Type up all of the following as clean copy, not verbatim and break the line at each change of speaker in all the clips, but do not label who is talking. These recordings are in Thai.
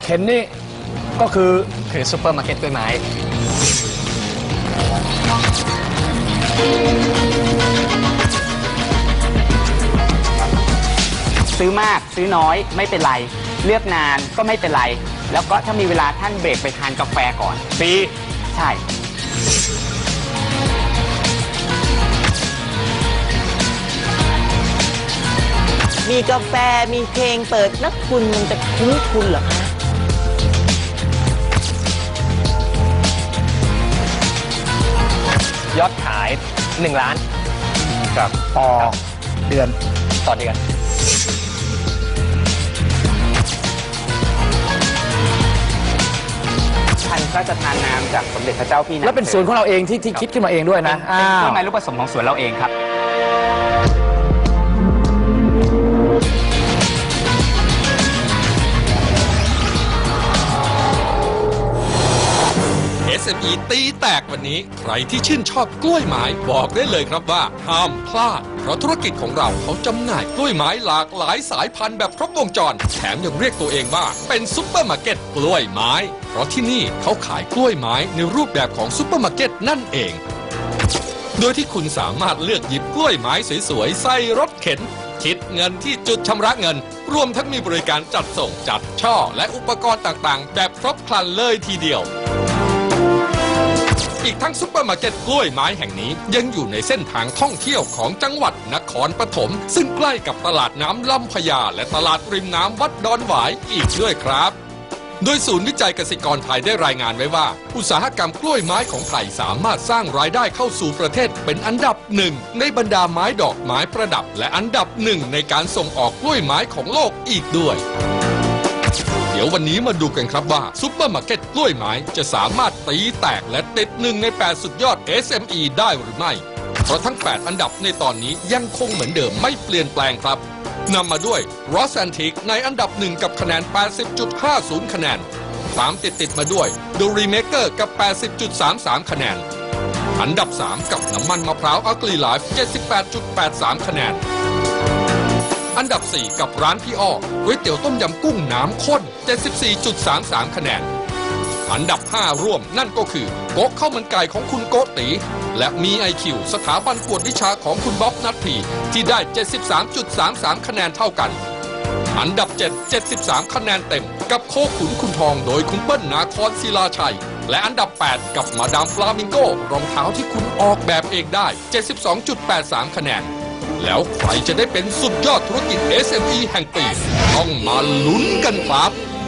เข็นนี่ก็คือ
ซุปเปอร์มาร์เก็ตกล้วยไม้
ซื้อมากซื้อน้อยไม่เป็นไรเลือกนานก็ไม่เป็นไรแล้วก็ถ้ามีเวลาท่านเบรกไปทานกาแฟก่อน
ฟรี
ใช่
มีกาแฟมีเพลงเปิดแล้วคุณมันจะคุ้มทุนเหรอคะ
ยอดขาย1 ล้าน
ครับต่อเดือน
ท่านพระราชทานนามจากสมเด็จพระเจ้าพี่นาง
แล้วเป็นสวนของเราเองที่คิดขึ้นมาเองด้วยนะ
เป็นกล้วยไม้ลูกผสมของสวนเราเองครับ
SME ตีแตกวันนี้ใครที่ชื่นชอบกล้วยไม้บอกได้เลยครับว่าห้ามพลาดเพราะธุรกิจของเราเขาจำหน่ายกล้วยไม้หลากหลายสายพันธุ์แบบครบวงจรแถมยังเรียกตัวเองว่าเป็นซุปเปอร์มาร์เก็ตกล้วยไม้เพราะที่นี่เขาขายกล้วยไม้ในรูปแบบของซุปเปอร์มาร์เก็ตนั่นเองโดยที่คุณสามารถเลือกหยิบกล้วยไม้สวยๆใส่รถเข็นคิดเงินที่จุดชำระเงินรวมทั้งมีบริการจัดส่งจัดช่อและอุปกรณ์ต่างๆแบบครบครันเลยทีเดียวอีกทั้งซุปเปอร์มาร์เก็ตกล้วยไม้แห่งนี้ยังอยู่ในเส้นทางท่องเที่ยวของจังหวัดนครปฐมซึ่งใกล้กับตลาดน้ำลำพญาและตลาดริมน้ำวัดดอนหวายอีกด้วยครับโดยศูนย์วิจัยเกษตรกรไทยได้รายงานไว้ว่าอุตสาหกรรมกล้วยไม้ของไทยสามารถสร้างรายได้เข้าสู่ประเทศเป็นอันดับ1ในบรรดาไม้ดอกไม้ประดับและอันดับ1ในการส่งออกกล้วยไม้ของโลกอีกด้วยเดี๋ยววันนี้มาดูกันครับว่าซุปเปอร์มาร์เก็ตกล้วยไม้จะสามารถตีแตกและติด1ใน8สุดยอด SME ได้หรือไม่เพราะทั้ง8อันดับในตอนนี้ยังคงเหมือนเดิมไม่เปลี่ยนแปลงครับนำมาด้วย Ross Antique ในอันดับ1กับคะแนน 80.50 คะแนนตามติดมาด้วย The Remaker กับ 80.33 คะแนนอันดับ3กับน้ำมันมะพร้าว Ugly Life 78.83 คะแนนอันดับ4กับร้านพี่อ้อก๋วยเตี๋ยวต้มยำกุ้งน้ำข้น 74.33 คะแนนอันดับ5ร่วมนั่นก็คือโก๊ะข้าวมันไก่ของคุณโกตีและมี IQ สถาบันกวดวิชาของคุณบ๊อบนัทพีที่ได้ 73.33 คะแนนเท่ากันอันดับ7 73 คะแนนเต็มกับโคขุนคุณทองโดยคุณเปิ้ลนาครศิลาชัยและอันดับ8กับมาดามฟลามิงโกรองเท้าที่คุณออกแบบเองได้ 72.83 คะแนนแล้วใครจะได้เป็นสุดยอดธุรกิจ SME แห่งปีต้องมาลุ้นกันครับ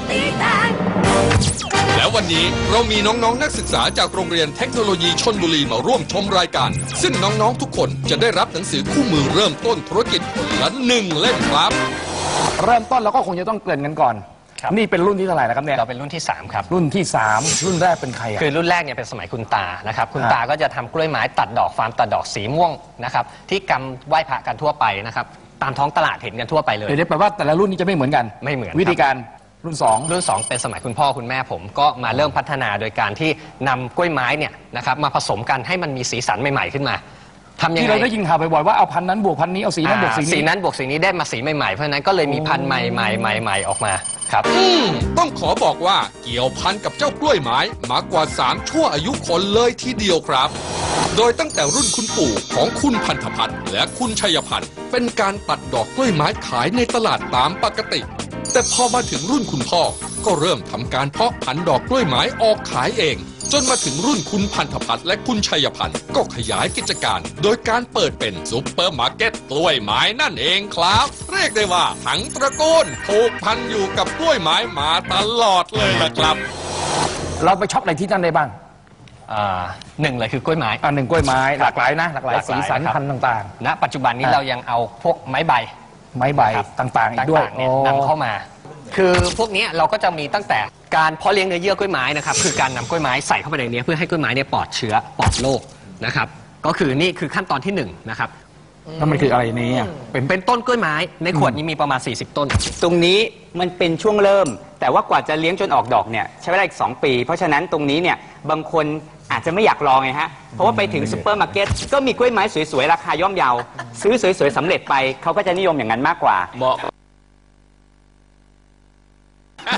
แล้ววันนี้เรามีน้องๆนักศึกษาจากโรงเรียนเทคโนโลยีชลบุรีมาร่วมชมรายการซึ่งน้องๆทุกคนจะได้รับหนังสือคู่มือเริ่มต้นธุรกิจคนละ1 เล่มครับ
เริ่มต้นเราก็คงจะต้องเกริ่นกันก่อนนี่เป็นรุ่นที่เท่าไหร่แล้วครับเนี่ย
เราเป็นรุ่นที่3ครับ
รุ่นที่3รุ่นแรกเป็นใคร
คือรุ่นแรกเนี่ยเป็นสมัยคุณตานะครับคุณตาก็จะทำกล้วยไม้ตัดดอกฟาร์มตัดดอกสีม่วงนะครับที่กำไหว้พระกันทั่วไปนะครับตามท้องตลาดเห็นกันทั่วไปเลย
เดี๋ยวแปลว่าแต่ละรุ่นนี้จะไม่เหมือนกัน
ไม่เหมือน
วิธีการรุ่น2
เป็นสมัยคุณพ่อคุณแม่ผมก็มาเริ่มพัฒนาโดยการที่นำกล้วยไม้เนี่ยนะครับมาผสมกันให้มันมีสีสันใหม่ๆขึ้นมาทำยังไง
ที่เราได้ยินข่าวบ่อยๆว่าเอาพันนั้นบวกพันนี้เอาสีนั้นบวกสีนี้
สีนั้นบวกสีนี้ได้มาสีใหม่ๆเพราะนั้นก็เลยมีพันธุ์ใหม่ๆออกมาครับ
ต้องขอบอกว่าเกี่ยวพันกับเจ้ากล้วยไม้มากว่า3ชั่วอายุคนเลยทีเดียวครับโดยตั้งแต่รุ่นคุณปู่ของคุณพันธพัฒน์และคุณชัยพันธ์เป็นการตัดดอกกล้วยไม้ขายในตลาดตามปกติแต่พอมาถึงรุ่นคุณพ่อก็เริ่มทำการเพาะพันธุ์ดอกกล้วยไม้ออกขายเองจนมาถึงรุ่นคุณพันธพัฒน์และคุณชัยพันธ์ก็ขยายกิจการโดยการเปิดเป็นซุปเปอร์มาร์เก็ตกล้วยไม้นั่นเองครับเรียกได้ว่าทั้งตระกูลผูกพันอยู่กับกล้วยไม้มาตลอดเลยล่ะครับ
เราไปช็อปอะไรที่นั่นได้บ้าง
หนึ่งเลยคือกล้วยไม้
หนึ่งกล้วยไม้หลากหลายนะหลากหลายสีสันพันธุ์ต่าง
ๆณปัจจุบันนี้เรายังเอาพวกไม้ใบ
ต่างๆอีกด้วย
นำเข้ามาคือพวกนี้เราก็จะมีตั้งแต่การเพาะเลี้ยงเนื้อเยื่อกล้วยไม้นะครับคือการนำกล้วยไม้ใส่เข้าไปในนี้เพื่อให้กล้วยไม้เนี่ยปลอดเชื้อปลอดโรคนะครับก็คือนี่คือขั้นตอนที่1นะครับ
แล้วมันคืออะไรนี้
เป็นต้นกล้วยไม้ในขวดนี้มีประมาณ40ต้น
ตรงนี้มันเป็นช่วงเริ่มแต่ว่ากว่าจะเลี้ยงจนออกดอกเนี่ยใช้เวลาอีก2 ปีเพราะฉะนั้นตรงนี้เนี่ยบางคนอาจจะไม่อยากลองไงฮะเพราะว่าไปถึงซุปเปอร์มาร์เก็ตก็มีกล้วยไม้สวยๆราคาย่อมเยาซื้อสวยๆสำเร็จไปเขาก็จะนิยมอย่างนั้นมากกว่า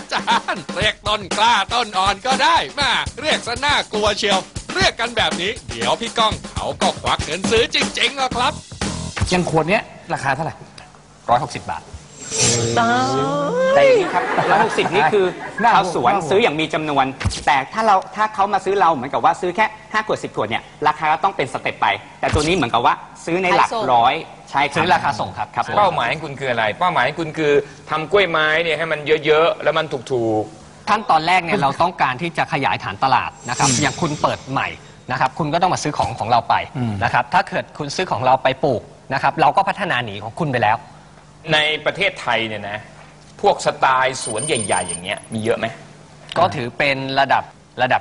านเรียกต้นกล้าต้นอ่อนก็ได้มาเรียกซะน่ากลัวเชียว เรียกกันแบบนี้ เดี๋ยวพี่ก้องเขาก็ควักเงินซื้อจริงๆหรอกครับ
ยังขวดเนี้ยราคาเท่าไหร่
160 บาท
แต่อย่างนี้ครับ160นี่คือ
น่าห่วง
ชาวสวน
น่าห่วง
ซื้ออย่างมีจำนวน แต่ถ้าเขามาซื้อเราเหมือนกับว่าซื้อแค่5 ขวด 10 ขวดเนี่ยราคาก็ต้องเป็นสเต็ปไป แต่ตัวนี้เหมือนกับว่าซื้อในหลัก
ขายส่ง
ร้อยใช่ครับ
ซื้อราคาส่งครับ
ครับ
เป้าหมายของคุณคืออะไร เป้าหมายของคุณคือทำกล้วยไม้เนี่ยให้มันเยอะๆ แล้วมันถูก
ขั้นตอนแรกเนี่ยเราต้องการที่จะขยายฐานตลาดนะครับอย่างคุณเปิดใหม่นะครับคุณก็ต้องมาซื้อของเราไปนะครับถ้าเกิดคุณซื้อของเราไปปลูกนะครับเราก็พัฒนาหนีของคุณไปแล้ว
ๆ ในประเทศไทยเนี่ยนะพวกสไตล์สวนใหญ่ ๆ อย่างเงี้ยมีเยอะไหม
ก็ถือเป็นระดับ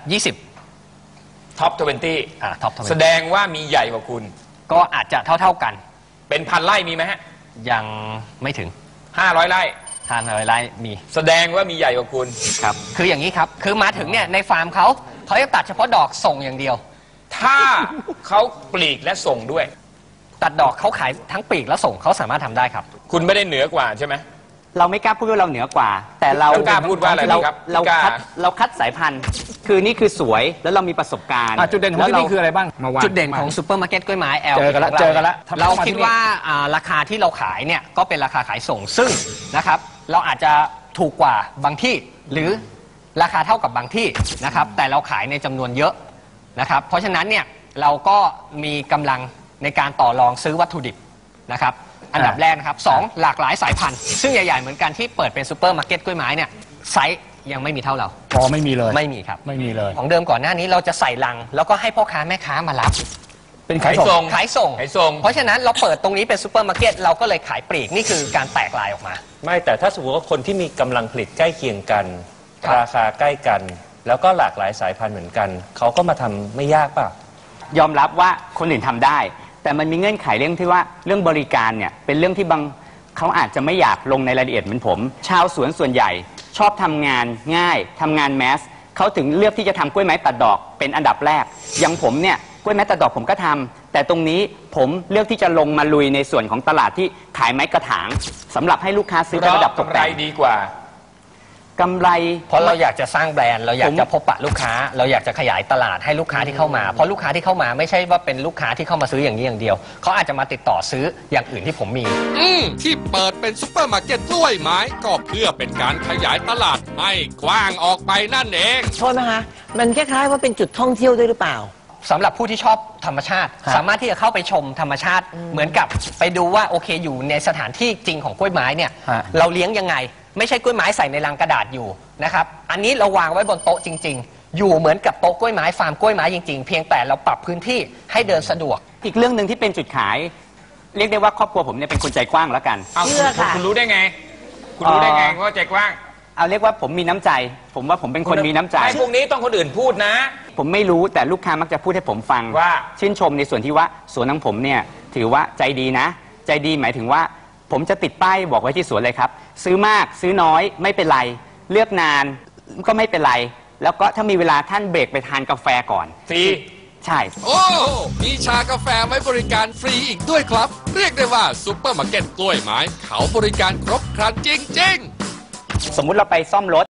20
ท็อป
ท็อป
20 แสดงว่ามีใหญ่กว่าคุณ
ก็อาจจะเท่ากัน
เป็นพันไร่มีไหมฮะ
ยังไม่ถึง
500 ไร่
ทานอะไรไร่มี
แสดงว่ามีใหญ่กว่าคุณ
ครับ
คืออย่างนี้ครับ คือมาถึงเนี่ยในฟาร์มเขาจะตัดเฉพาะดอกส่งอย่างเดียว
ถ้าเขาปลีกและส่งด้วย
ตัดดอกเขาขายทั้งปีกแล้วส่งเขาสามารถทำได้ครับ
คุณไม่ได้เหนือกว่าใช่ไหม
เราไม่กล้าพูดว่าเราเหนือกว่า แต่เรา
แล้วกล้าพูดว่าอะไรครับ
เรา
กล้า
คัดสายพันธุ์ คือนี่คือสวยแล้วเรามีประสบการณ์
จุดเด่นของที่นี่คืออะไรบ้างมาวาง
จุดเด่นของซูเปอร์มาร์เก็ตกล้วยไม้ L
เจอกันละ
ขงรา
เจอกันละ
เราคิดว่าราคาที่เราขายเนี่ยก็เป็นราคาขายส่งซึ่งนะครับเราอาจจะถูกกว่าบางที่หรือราคาเท่ากับบางที่นะครับแต่เราขายในจำนวนเยอะนะครับเพราะฉะนั้นเนี่ยเราก็มีกำลังในการต่อรองซื้อวัตถุดิบนะครับอันดับแรกนะครับสองหลากหลายสายพันธุ์ซึ่งใหญ่ๆเหมือนกันที่เปิดเป็นซูเปอร์มาร์เก็ตกล้วยไม้เนี่ยไซส์ยังไม่มีเท่าเรา
อ๋อไม่มีเลย
ไม่มีครับ
ไม่มีเลย
ของเดิมก่อนหน้านี้เราจะใส่ลัง แล้วก็ให้พ่อค้าแม่ค้ามารับ
เป็นขายส่ง
ขายส่ง
ขายส่ง
เพราะฉะนั้นเราเปิดตรงนี้เป็นซูเปอร์มาร์เก็ตเราก็เลยขายปลีกนี่คือการแตกลายออกมา
ไม่แต่ถ้าสมมติว่าคนที่มีกำลังผลิตใกล้เคียงกัน
ครับ
ราคาใกล้กัน แล้วก็หลากหลายสายพันธุ์เหมือนกัน เขาก็มาทำไม่ยากเปล่ะ
ยอมรับว่าคนอื่นทำได้ แต่มันมีเงื่อนไขเรื่องที่ว่าเรื่องบริการเนี่ยเป็นเรื่องที่บางเขาอาจจะไม่อยากลงในรายละเอียดเหมือนผม ชาวสวนส่วนใหญ่ ชอบทำงานง่ายทำงานแมสเขาถึงเลือกที่จะทำกล้วยไม้ตัดดอกเป็นอันดับแรกอย่างผมเนี่ยกล้วยไม้ตัดดอกผมก็ทำแต่ตรงนี้ผมเลือกที่จะลงมาลุยในส่วนของตลาดที่ขายไม้กระถางสำหรับให้ลูกค้าซื้อเป็นระดับตก
กำไร
แต่ง
ดีกว่า
กำไร
เพราะเราอยากจะสร้างแบรนด์เราอยากจะพบปะลูกค้า เราอยากจะขยายตลาดให้ลูกค้าที่เข้ามาเพราะลูกค้าที่เข้ามาไม่ใช่ว่าเป็นลูกค้าที่เข้ามาซื้ออย่างนี้อย่างเดียวเขาอาจจะมาติดต่อซื้ออย่างอื่นที่ผมมี
ที่เปิดเป็นซุปเปอร์มาร์เก็ตกล้วยไม้ก็เพื่อเป็นการขยายตลาดให้กว้างออกไปนั่นเอง
โทษนะคะมันคล้ายๆว่าเป็นจุดท่องเที่ยวด้วยหรือเปล่า
สำหรับผู้ที่ชอบธรรมชาติ สามารถที่จะเข้าไปชมธรรมชาติ เหมือนกับไปดูว่าโอเคอยู่ในสถานที่จริงของกล้วยไม้เนี่ย
ฮะ
เราเลี้ยงยังไง ไม่ใช่กล้วยไม้ใส่ในลังกระดาษอยู่นะครับอันนี้เราวางไว้บนโต๊ะจริง ๆ อยู่เหมือนกับโต๊ะกล้วยไม้ฟาร์มกล้วยไม้จริงๆเพียงแต่เราปรับพื้นที่ให้เดินสะดวก
อีกเรื่องหนึ่งที่เป็นจุดขาย เรียกได้ว่าครอบครัวผมเนี่ยเป็นคนใจกว้างแล้วกัน
เอา
เชื่อค่ะ
คุณรู้ได้ไง คุณรู้ได้ไงว่าใจกว้าง
เอาเรียกว่าผมมีน้ำใจ ผมว่าผมเป็นคนมีน้ำใจ
ไอ้พวกนี้ต้องคนอื่นพูดนะ
ผมไม่รู้แต่ลูกค้ามักจะพูดให้ผมฟัง
ว่า
ชื่นชมในส่วนที่ว่าสวนของผมเนี่ยถือว่าใจดีนะ ใจดีหมายถึงว่า ผมจะติดป้ายบอกไว้ที่สวนเลยครับ ซื้อมากซื้อน้อยไม่เป็นไร เลือกนานก็ไม่เป็นไร แล้วก็ถ้ามีเวลาท่านเบรกไปทานกาแฟก่อน
ฟรี
ใช่
โอ้ มีชากาแฟไว้บริการฟรีอีกด้วยครับ เรียกได้ว่าซุปเปอร์มาร์เก็ตกล้วยไม้เขาบริการครบครันจริงๆ
สมมุติเราไปซ่อมรถ